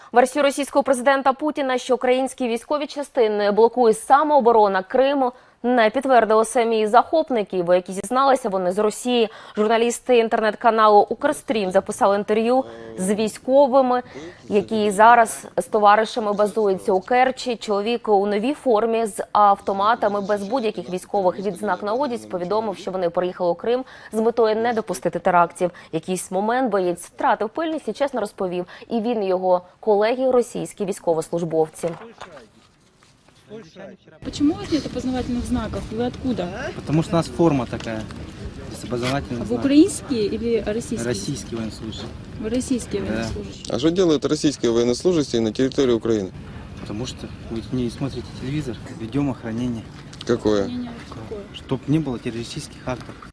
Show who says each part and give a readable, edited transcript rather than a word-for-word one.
Speaker 1: Версію російського президента Путіна, що українські військові частини блокує самооборона Криму, не підтвердили самі захопники, бо які зізналися вони з Росії. Журналісти інтернет-каналу «Укрстрім» записали інтерв'ю з військовими, які зараз з товаришами базуються у Керчі. Чоловік у новій формі з автоматами без будь-яких військових відзнак на одязі повідомив, що вони приїхали у Крим з метою не допустити терактів. Якийсь момент боєць втратив пильність і чесно розповів. І він, і його колеги, російські військовослужбовці.
Speaker 2: Почему у вас нет опознавательных знаков? Вы откуда?
Speaker 3: Потому что у нас форма такая, без опознавательных
Speaker 2: Вы
Speaker 3: знаков.
Speaker 2: украинские или российские?
Speaker 3: Российский военнослужащий.
Speaker 2: Вы российские военнослужащие.
Speaker 4: А что делают российские военнослужащие на территории Украины?
Speaker 3: Потому что вы не смотрите телевизор, ведем охранение.
Speaker 4: Какое?
Speaker 2: Мнение какое?
Speaker 3: Чтобы не было террористических актов.